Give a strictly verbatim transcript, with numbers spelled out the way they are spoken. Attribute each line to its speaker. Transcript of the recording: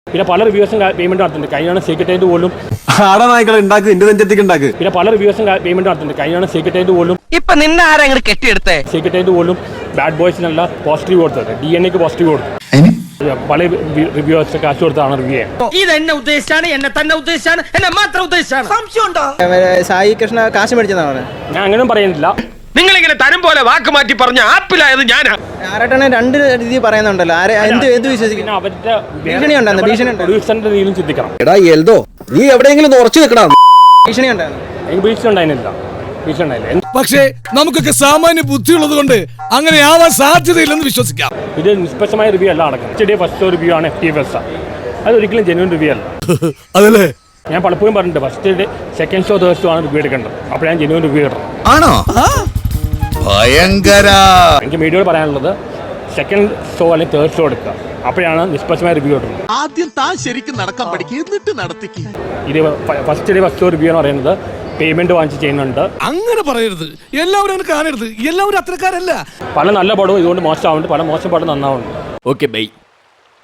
Speaker 1: പിന്നെ പല റിവ്യൂസും പേയ്മെന്റ് നടത്തുന്നുണ്ട്. കഴിഞ്ഞാണ് സീക്രട്ടേറ്റ് പോലും
Speaker 2: ആടനായ്ക്കളെ ഉണ്ടാക്ക് എന്റെ നെഞ്ചത്തേക്ക് ഉണ്ടാക്ക്.
Speaker 1: പിന്നെ പല റിവ്യൂസും പേയ്മെന്റ് നടത്തുന്നുണ്ട്. കഴിഞ്ഞാണ് സീക്രട്ടേറ്റ് പോലും
Speaker 3: ഇപ്പൊ നിന്നെ ആരെങ്കിലും കെട്ടിയെടുത്തേ
Speaker 1: സീക്രട്ടേറ്റ് പോലും ബാഡ് ബോയ്സിനല്ല പോസിറ്റീവ് കൊടുത്തത്. ഡി എൻ എക്ക് പോസിറ്റീവ് കൊടുത്തു. പല റിവ്യൂസ് കാശ് കൊടുത്താണ് റിവ്യൂ ചെയ്യാൻ.
Speaker 3: ഇത് എന്നെ ഉദ്ദേശിച്ചാണ്, എന്നെ തന്നെ ഉദ്ദേശിച്ചാണ്, എന്നെ മാത്രം ഉദ്ദേശിച്ചാണ്. സംശയമുണ്ടോ?
Speaker 4: സായി കൃഷ്ണ കാശ് മേടിച്ചതാണ്.
Speaker 1: ഞാൻ അങ്ങനെയും പറയുന്നില്ല.
Speaker 3: നിങ്ങളിങ്ങനെ തരം പോലെ വാക്ക് മാറ്റി പറഞ്ഞ ആപ്പിലായത് ഞാനാ.
Speaker 4: ആരട്ടനെ രണ്ട് രീതി പറയുന്നുണ്ടല്ലോ. ആരെ എന്ത് എന്ത് വിശ്വസിക്കുന്നു?
Speaker 1: അവരുടെ
Speaker 4: ഭീഷണി ഉണ്ടായിരുന്നു. ഭീഷണി
Speaker 1: പ്രൊഡ്യൂസറിന്റെ രീതിയിലും ചിന്തിക്കണം.
Speaker 2: എടാ എൽദോ നീ എവിടെയെങ്കിലും ഉറച്ചു നിൽക്കണം.
Speaker 4: ഭീഷണി ഉണ്ടായിരുന്നു.
Speaker 1: എനിക്ക് ഭീഷണി ഉണ്ടായിരുന്നില്ല. ഭീഷണി ഉണ്ടായില്ല.
Speaker 5: പക്ഷേ നമുക്കൊക്കെ സാമാന്യ ബുദ്ധിയുള്ളത് കൊണ്ട് അങ്ങനെ ആവാൻ സാധ്യതയില്ലെന്ന് വിശ്വസിക്കാം.
Speaker 1: ഇത് നിഷ്പക്ഷമായ റിവ്യൂ അല്ല നടക്കുന്നത്. ഫസ്റ്റ് റിവ്യൂ ആണ് എഫ് ടി എഫ് എസ്. അത് ഒരിക്കലും ജെന്യൂൻ റിവ്യൂ അല്ല.
Speaker 5: അതല്ലേ
Speaker 1: ഞാൻ പലപ്പോഴും പറഞ്ഞിട്ടുണ്ട്, first day second show third show ആണ് റിവ്യൂ എടുക്കേണ്ടത്. അപ്പോൾ ഞാൻ ജെന്യൂൻ റിവ്യൂ കിട്ടണം.
Speaker 2: ആണോ? ഭയങ്കര.
Speaker 1: എനിക്ക് മീഡിയയോട് പറയാനുള്ളത്, സെക്കൻഡ് ഷോ അല്ലെങ്കിൽ തേർഡ് ഷോ എടുക്കുക. അപ്പോഴാണ് നിഷ്പക്ഷമായ റിവ്യൂ കിട്ടുന്നത്.
Speaker 6: ആദ്യം താൻ ശരിക്കും നടക്കാൻ പഠിക്കുക, എന്നിട്ട് നടത്തിക്കുക.
Speaker 1: ഇത് first day first show review എന്ന് പറയുന്നത് പേയ്മെന്റ് വാങ്ങിച്ച് ചെയ്യുന്നുണ്ട്.
Speaker 5: അങ്ങനെ പറയരുത്. എല്ലാവരും അങ്ങനെ കാണരുത്. എല്ലാവരും അത്രക്കാരല്ല.
Speaker 1: പല നല്ല പടവും ഇതുകൊണ്ട് മോശമാവുന്നുണ്ട്, പല മോശം പടം നന്നാവുന്നുണ്ട്.
Speaker 2: Okay bye.